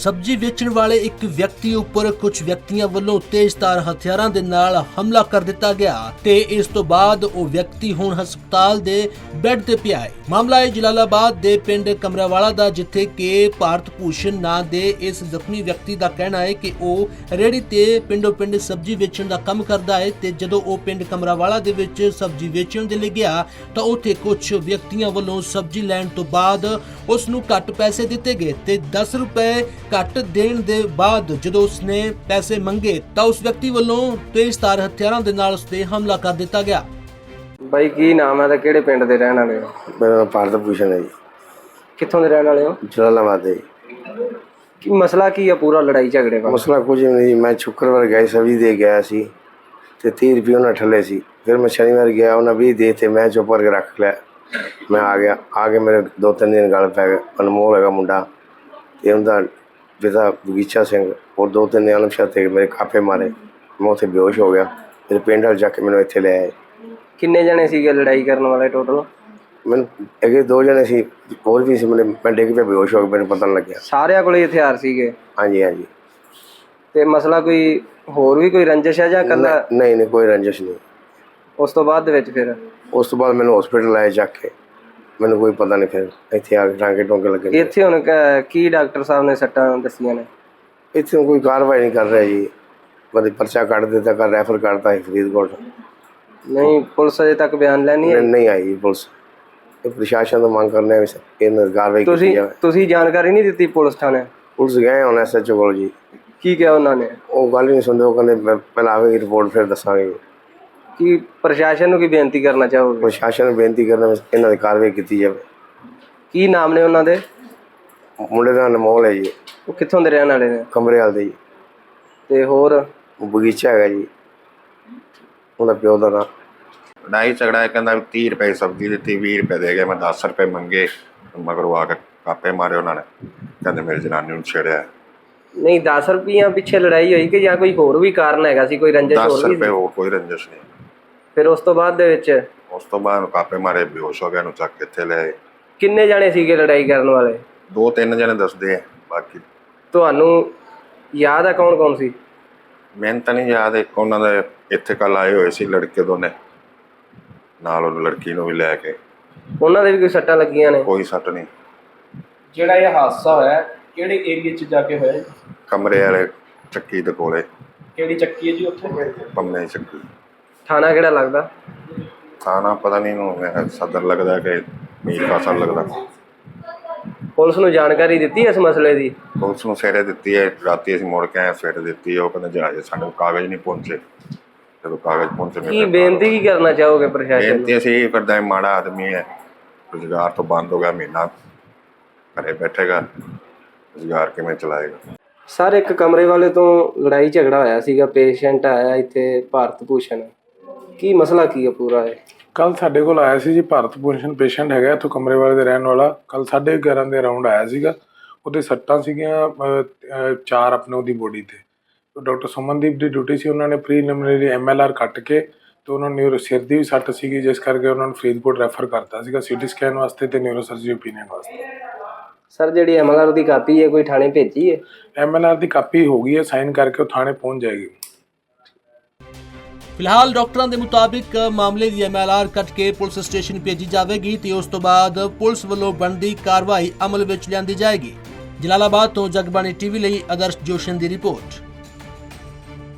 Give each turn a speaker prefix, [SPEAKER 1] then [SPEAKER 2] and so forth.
[SPEAKER 1] ਸਬਜ਼ੀ ਵੇਚਣ ਵਾਲੇ ਇੱਕ ਵਿਅਕਤੀ ਉੱਪਰ ਕੁਝ ਵਿਅਕਤੀਆਂ ਵੱਲੋਂ ਤੇਜ਼ਧਾਰ ਹਥਿਆਰਾਂ ਦੇ ਨਾਲ ਹਮਲਾ ਕਰ ਦਿੱਤਾ ਗਿਆ ਤੇ ਇਸ ਤੋਂ ਬਾਅਦ ਉਹ ਵਿਅਕਤੀ ਹੁਣ ਹਸਪਤਾਲ ਦੇ ਬੈੱਡ ਤੇ ਪਿਆ ਹੈ। ਮਾਮਲਾ ਹੈ ਜਲਾਲਾਬਾਦ ਦੇ ਪਿੰਡ ਕਮਰਾਵਾਲਾ ਦਾ, ਜਿੱਥੇ ਕਿ ਭਾਰਤ ਭੂਸ਼ਣ ਨਾਂ ਦੇ ਇਸ ਜ਼ਖਮੀ ਵਿਅਕਤੀ ਦਾ ਕਹਿਣਾ ਹੈ ਕਿ ਉਹ ਰੇਹੜੀ ਤੇ ਪਿੰਡੋਂ ਪਿੰਡ ਸਬਜ਼ੀ ਵੇਚਣ ਦਾ ਕੰਮ ਕਰਦਾ ਹੈ ਤੇ ਜਦੋਂ ਉਹ ਪਿੰਡ ਕਮਰਾਵਾਲਾ ਦੇ ਵਿੱਚ ਸਬਜ਼ੀ ਵੇਚਣ ਦੇ ਲਈ ਗਿਆ ਤਾਂ ਉੱਥੇ ਕੁਝ ਵਿਅਕਤੀਆਂ ਵੱਲੋਂ ਸਬਜ਼ੀ ਲੈਣ ਤੋਂ ਬਾਅਦ ਉਸ ਨੂੰ ਘੱਟ ਪੈਸੇ ਦਿੱਤੇ ਗਏ ਤੇ 10 ਰੁਪਏ ਘੱਟ ਦੇਣ ਦੇ ਬਾਅਦ ਜਦੋਂ ਉਸਨੇ ਪੈਸੇ ਮੰਗੇ ਤਾਂ ਉਸ ਵਿਅਕਤੀ ਵੱਲੋਂ ਤੇਜ਼ਧਾਰ ਹਥਿਆਰਾਂ ਦੇ ਨਾਲ ਉਸ ਤੇ ਹਮਲਾ ਕਰ ਦਿੱਤਾ ਗਿਆ।
[SPEAKER 2] ਬਾਈ ਕੀ ਨਾਮ ਹੈ ਤੇ ਕਿਹੜੇ ਪਿੰਡ ਦੇ ਰਹਿਣ ਵਾਲੇ ਹੋ?
[SPEAKER 3] ਮੇਰਾ ਨਾਮ ਭਾਰਤ ਭੂਸ਼ਣ ਹੈ ਜੀ।
[SPEAKER 2] ਕਿੱਥੋਂ ਦੇ ਰਹਿਣ ਵਾਲੇ ਹੋ?
[SPEAKER 3] ਜਲਾਲਾਬਾਦ ਦੇ।
[SPEAKER 2] ਕੀ ਮਸਲਾ ਕੀ ਹੈ ਪੂਰਾ ਲੜਾਈ ਝਗੜੇ ਦਾ?
[SPEAKER 3] ਮਸਲਾ ਕੁਝ ਨਹੀਂ, ਮੈਂ ਸ਼ੁੱਕਰਵਾਰ ਗਿਆ ਸਬਜ਼ੀ ਦੇ ਗਿਆ ਸੀ ਤੇ 30 ਰੁਪਏ ਉਹਨਾਂ ਠੱਲੇ ਸੀ। ਫਿਰ ਮੈਂ ਸ਼ਨੀਵਾਰ ਗਿਆ, ਉਹਨਾਂ 20 ਦੇ ਤੇ ਮੈਂ ਚੁੱਪ ਕਰਕੇ ਰੱਖ ਲਿਆ। ਮੈਂ ਆ ਗਿਆ, ਆ ਕੇ ਮੇਰੇ 2-3 ਦਿਨ ਗੱਲ ਪੈ ਗਏ। ਅਨਮੋਲ ਹੈਗਾ ਮੁੰਡਾ ਤੇ ਉਹਦਾ ਪਿਤਾ ਬਗੀਚਾ ਸਿੰਘ, ਔਰ 2-3 ਦਿਨ ਆਲਮ ਤੇ ਮੇਰੇ ਕਾਪੇ ਮਾਰੇ। ਮੈਂ ਉੱਥੇ ਬੇਹੋਸ਼ ਹੋ ਗਿਆ। ਮੇਰੇ ਪਿੰਡ ਵਾਲ ਜਾ ਕੇ ਮੈਨੂੰ ਇੱਥੇ ਲੈ ਆਏ।
[SPEAKER 2] ਕਿੰਨੇ ਜਣੇ ਸੀਗੇ ਲੜਾਈ ਕਰਨ ਵਾਲੇ ਟੋਟਲ?
[SPEAKER 3] ਮੈਨੂੰ ਅੱਗੇ 2 ਜਣੇ ਸੀ, ਹੋਰ ਵੀ ਸੀ। ਮੈਂ ਡਿੱਗ ਪਿਆ, ਬੇਹੋਸ਼ ਹੋ ਗਿਆ, ਮੈਨੂੰ ਪਤਾ ਨਹੀਂ ਲੱਗਿਆ।
[SPEAKER 2] ਸਾਰਿਆਂ ਕੋਲੇ ਹਥਿਆਰ ਸੀਗੇ?
[SPEAKER 3] ਹਾਂਜੀ ਹਾਂਜੀ।
[SPEAKER 2] ਤੇ ਮਸਲਾ ਕੋਈ ਹੋਰ ਵੀ ਕੋਈ ਰੰਜਿਸ਼ ਹੈ ਜਾਂ ਇਕੱਲਾ?
[SPEAKER 3] ਨਹੀਂ, ਕੋਈ ਰੰਜਿਸ਼ ਨਹੀਂ।
[SPEAKER 2] ਉਸ ਤੋਂ ਬਾਅਦ ਦੇ ਵਿੱਚ ਫਿਰ
[SPEAKER 3] ਉਸ ਤੋਂ ਬਾਅਦ ਮੈਨੂੰ ਹਸਪੀਟਲ ਆਏ ਜਾ ਕੇ, ਮੈਨੂੰ ਕੋਈ ਪਤਾ ਨਹੀਂ। ਫਿਰ ਇੱਥੇ ਆ ਕੇ ਟਾਂਕੇ ਟੋਂਕੇ ਲੱਗੇ।
[SPEAKER 2] ਇੱਥੇ ਹੁਣ ਕੀ ਡਾਕਟਰ ਸਾਹਿਬ ਨੇ ਸੱਟਾਂ ਦੱਸੀਆਂ ਨੇ?
[SPEAKER 3] ਇੱਥੇ ਕੋਈ ਕਾਰਵਾਈ ਨਹੀਂ ਕਰ ਰਿਹਾ ਜੀ। ਮਤਲਬ ਪਰਚਾ ਕੱਢ ਦਿੱਤਾ, ਕਰ ਰੈਫਰ ਕਰਤਾ ਹੈ ਫਰੀਦਕੋਟ।
[SPEAKER 2] ਨਹੀਂ, ਪੁਲਿਸ ਅਜੇ ਤੱਕ ਬਿਆਨ ਲੈਣੀ ਹੈ?
[SPEAKER 3] ਨਹੀਂ ਆਈ ਜੀ ਪੁਲਿਸ। ਇਹ ਪ੍ਰਸ਼ਾਸਨ ਤੋਂ ਮੰਗ ਕਰਨੇ ਆ ਇਹਨਾਂ ਦੀ ਕਾਰਵਾਈ ਕੀਤੀ ਜਾਵੇ।
[SPEAKER 2] ਤੁਸੀਂ ਜਾਣਕਾਰੀ ਨਹੀਂ ਦਿੱਤੀ ਪੁਲਿਸ ਥਾਣੇ?
[SPEAKER 3] ਪੁਲਿਸ ਗਏ ਹੁਣ SHO ਕੋਲ ਜੀ।
[SPEAKER 2] ਕੀ ਕਿਹਾ ਉਹਨਾਂ ਨੇ?
[SPEAKER 3] ਉਹ ਗੱਲ ਹੀ ਨਹੀਂ ਸੁਣਦੇ। ਉਹ ਕਹਿੰਦੇ ਪਹਿਲਾਂ ਆਵੇਗੀ ਰਿਪੋਰਟ, ਫਿਰ ਦੱਸਾਂਗੇ।
[SPEAKER 2] ਕੀ ਪ੍ਰਸ਼ਾਸਨ ਨੂੰ ਕੀ ਬੇਨਤੀ ਕਰਨਾ ਚਾਹੋਗੇ?
[SPEAKER 3] ਪ੍ਰਸ਼ਾਸਨ ਨੂੰ ਬੇਨਤੀ ਕਰਨਾ ਇਹਨਾਂ ਦੀ ਕਾਰਵਾਈ ਕੀਤੀ ਜਾਵੇ।
[SPEAKER 2] ਕੀ ਨਾਮ ਨੇ ਉਹਨਾਂ ਦੇ?
[SPEAKER 3] ਮੁੰਡੇ ਦਾ ਅਨਮੋਲ ਹੈ ਜੀ।
[SPEAKER 2] ਉਹ ਕਿੱਥੋਂ ਦੇ ਰਹਿਣ ਵਾਲੇ ਨੇ?
[SPEAKER 3] ਕਮਰੇਵਾਲ ਦੇ ਜੀ।
[SPEAKER 2] ਤੇ ਹੋਰ?
[SPEAKER 3] ਉਹ ਬਗੀਚਾ ਹੈਗਾ ਜੀ, ਉਹਦਾ ਪਿਓ ਦਾ ਨਾਂ।
[SPEAKER 4] ਲੜਾਈ ਝਗੜਾ ਕਹਿੰਦਾ 30 ਰੁਪਏ ਸਬਜ਼ੀ ਦਿੱਤੀ, 20 ਰੁਪਏ ਦੇ ਗਏ। ਮੈਂ 10 ਰੁਪਏ ਮੰਗੇ, ਮਗਰੋਂ ਆ ਕੇ ਕਾਪੇ ਮਾਰੇ ਉਹਨਾਂ ਨੇ। ਕਹਿੰਦੇ ਮੇਰੀ ਜਨਾਨੀ ਨੂੰ ਛੇੜਿਆ।
[SPEAKER 2] ਨਹੀਂ, 10 ਰੁਪਈਆਂ ਪਿੱਛੇ ਲੜਾਈ ਹੋਈ ਕਿ ਜਾਂ ਕੋਈ ਹੋਰ ਵੀ ਕਾਰਨ ਹੈਗਾ ਸੀ? ਕੋਈ ਰੰਜਿਸ਼ ਹੋਰ
[SPEAKER 4] 10
[SPEAKER 2] ਵੀ
[SPEAKER 4] ਰੁਪਏ
[SPEAKER 2] ਸੀ?
[SPEAKER 4] ਹੋਰ ਕੋਈ ਰੰਜਿਸ਼ ਨਹੀਂ।
[SPEAKER 2] ਫਿਰ ਉਸ ਤੋਂ ਬਾਅਦ ਦੇ ਵਿੱਚ?
[SPEAKER 4] ਉਸ ਤੋਂ ਬਾਅਦ ਕਾਪੇ ਮਾਰੇ, ਬੇਹੋਸ਼ ਹੋ ਗਿਆ, ਨੂੰ ਚੱਕ ਕੇ ਇੱਥੇ ਲੈ ਆਏ।
[SPEAKER 2] ਕਿੰਨੇ ਜਾਣੇ ਸੀਗੇ ਲੜਾਈ ਕਰਨ ਵਾਲੇ?
[SPEAKER 4] 2-3 ਜਣੇ ਦੱਸਦੇ ਆ, ਬਾਕੀ
[SPEAKER 2] ਤੁਹਾਨੂੰ ਯਾਦ ਆ ਕੌਣ ਕੌਣ ਸੀ?
[SPEAKER 4] ਮੈਨੂੰ ਤਾਂ ਨਹੀਂ ਯਾਦ। ਇੱਕ ਉਹਨਾਂ ਦੇ ਇੱਥੇ ਕੱਲ ਆਏ ਹੋਏ ਸੀ ਲੜਕੇ ਦੋਨੇ, ਨਾਲ ਉਹ ਲੜਕੀ ਨੂੰ ਵੀ ਲੈ ਕੇ।
[SPEAKER 2] ਉਹਨਾਂ ਦੇ ਵੀ ਕੋਈ ਸੱਟਾਂ ਲੱਗੀਆਂ ਨੇ?
[SPEAKER 4] ਕੋਈ ਸੱਟ ਨਹੀਂ।
[SPEAKER 5] ਜਿਹੜਾ ਇਹ ਹਾਦਸਾ ਹੋਇਆ ਕਿਹੜੇ ਏਰੀਏ 'ਚ ਜਾ ਕੇ ਹੋਇਆ ਜੀ?
[SPEAKER 4] ਕਮਰੇ ਵਾਲੇ ਚੱਕੀ ਦੇ ਕੋਲੇ।
[SPEAKER 5] ਕਿਹੜੀ ਚੱਕੀ ਹੈ ਜੀ ਉੱਥੇ?
[SPEAKER 4] ਪੰਮੇ ਚੱਕੀ।
[SPEAKER 2] ਥਾਣਾ ਕਿਹੜਾ ਲੱਗਦਾ?
[SPEAKER 4] ਥਾਣਾ ਪਤਾ ਨਹੀਂ ਨੂੰ ਸਦਰ ਲੱਗਦਾ ਕਿ ਮੀਰ ਕਾਸਲ ਲੱਗਦਾ।
[SPEAKER 2] ਪੁਲਿਸ ਨੂੰ ਜਾਣਕਾਰੀ ਦਿੱਤੀ ਇਸ ਮਸਲੇ ਦੀ?
[SPEAKER 4] ਪੁਲਿਸ ਨੂੰ ਸਵੇਰੇ ਦਿੱਤੀ ਹੈ, ਰਾਤੀ ਅਸੀਂ ਮੁੜ ਕੇ ਆਏ, ਸਵੇਰੇ ਦਿੱਤੀ। ਉਹ ਕਹਿੰਦੇ ਜਹਾਜ਼ ਸਾਡੇ ਕੋਲ ਕਾਗਜ਼ ਨਹੀਂ ਪਹੁੰਚੇ। ਜਦੋਂ ਕਾਗਜ਼ ਪਹੁੰਚੇ
[SPEAKER 2] ਕੀ ਬੇਨਤੀ ਕੀ ਕਰਨਾ ਚਾਹੋਗੇ ਪ੍ਰਸ਼ਾਸਨ ਨੂੰ?
[SPEAKER 4] ਬੇਨਤੀ ਅਸੀਂ ਇਹ ਕਰਦਾ, ਮਾੜਾ ਆਦਮੀ ਹੈ, ਰੁਜ਼ਗਾਰ ਤੋਂ ਬੰਦ ਹੋ ਗਿਆ, ਮਹੀਨਾ ਘਰੇ ਬੈਠੇਗਾ, ਰੁਜ਼ਗਾਰ ਕਿਵੇਂ ਚਲਾਏਗਾ?
[SPEAKER 2] ਸਰ, ਇੱਕ ਕਮਰੇ ਵਾਲੇ ਤੋਂ ਲੜਾਈ ਝਗੜਾ ਹੋਇਆ ਸੀਗਾ, ਪੇਸ਼ੈਂਟ ਆਇਆ ਇੱਥੇ ਭਾਰਤ ਭੂਸ਼ਣ। ਕੀ ਮਸਲਾ ਕੀ ਹੈ ਪੂਰਾ? ਇਹ
[SPEAKER 6] ਕੱਲ ਸਾਡੇ ਕੋਲ ਆਇਆ ਸੀ ਜੀ ਭਾਰਤ ਭੂਸ਼ਣ, ਪੇਸ਼ੈਂਟ ਹੈਗਾ ਇੱਥੋਂ ਕਮਰੇ ਵਾਲੇ ਦੇ ਰਹਿਣ ਵਾਲਾ। ਕੱਲ 11:30 ਦੇ ਅਰਾਊਂਡ ਆਇਆ ਸੀਗਾ। ਉਹਦੇ ਸੱਟਾਂ ਸੀਗੀਆਂ 4 ਆਪਣੇ ਉਹਦੀ ਬੋਡੀ ਤੇ। ਡਾਕਟਰ ਸੁਮਨਦੀਪ ਦੀ ਡਿਊਟੀ ਸੀ, ਉਹਨਾਂ ਨੇ ਪ੍ਰੀਲਿਮਿਨਰੀ MLR ਕੱਟ ਕੇ ਤੇ ਉਹਨਾਂ ਨੂੰ ਸਿਰ ਦੀ ਵੀ ਸੱਟ ਸੀਗੀ, ਜਿਸ ਕਰਕੇ ਉਹਨਾਂ ਨੂੰ ਫਰੀਦਕੋਟ ਰੈਫਰ ਕਰਤਾ ਸੀਗਾ CT ਸਕੈਨ ਵਾਸਤੇ ਤੇ ਨਿਊਰੋ ਸਰਜਰੀ ਓਪੀਨੀਅਨ ਵਾਸਤੇ।
[SPEAKER 2] ਸਰ, ਜਿਹੜੀ MLR ਦੀ ਕਾਪੀ ਹੈ ਕੋਈ ਥਾਣੇ ਭੇਜੀ ਹੈ?
[SPEAKER 6] MLR ਦੀ ਕਾਪੀ ਹੋ ਗਈ ਹੈ, ਸਾਈਨ ਕਰਕੇ ਉਹ ਥਾਣੇ ਪਹੁੰਚ ਜਾਏਗੀ।
[SPEAKER 1] ਫਿਲਹਾਲ ਡਾਕਟਰਾਂ ਦੇ ਮੁਤਾਬਿਕ ਮਾਮਲੇ ਦੀ MLR ਕੱਟ ਕੇ ਪੁਲਿਸ ਸਟੇਸ਼ਨ ਭੇਜੀ ਜਾਵੇਗੀ ਤੇ ਉਸ ਤੋਂ ਬਾਅਦ ਪੁਲਿਸ ਵੱਲੋਂ ਬਣਦੀ ਕਾਰਵਾਈ ਅਮਲ ਵਿੱਚ ਲਿਆਂਦੀ ਜਾਏਗੀ। ਜਲਾਲਾਬਾਦ ਤੋਂ ਜਗਬਾਣੀ TV ਲਈ ਆਦਰਸ਼ ਜੋਸ਼ਨ ਦੀ ਰਿਪੋਰਟ।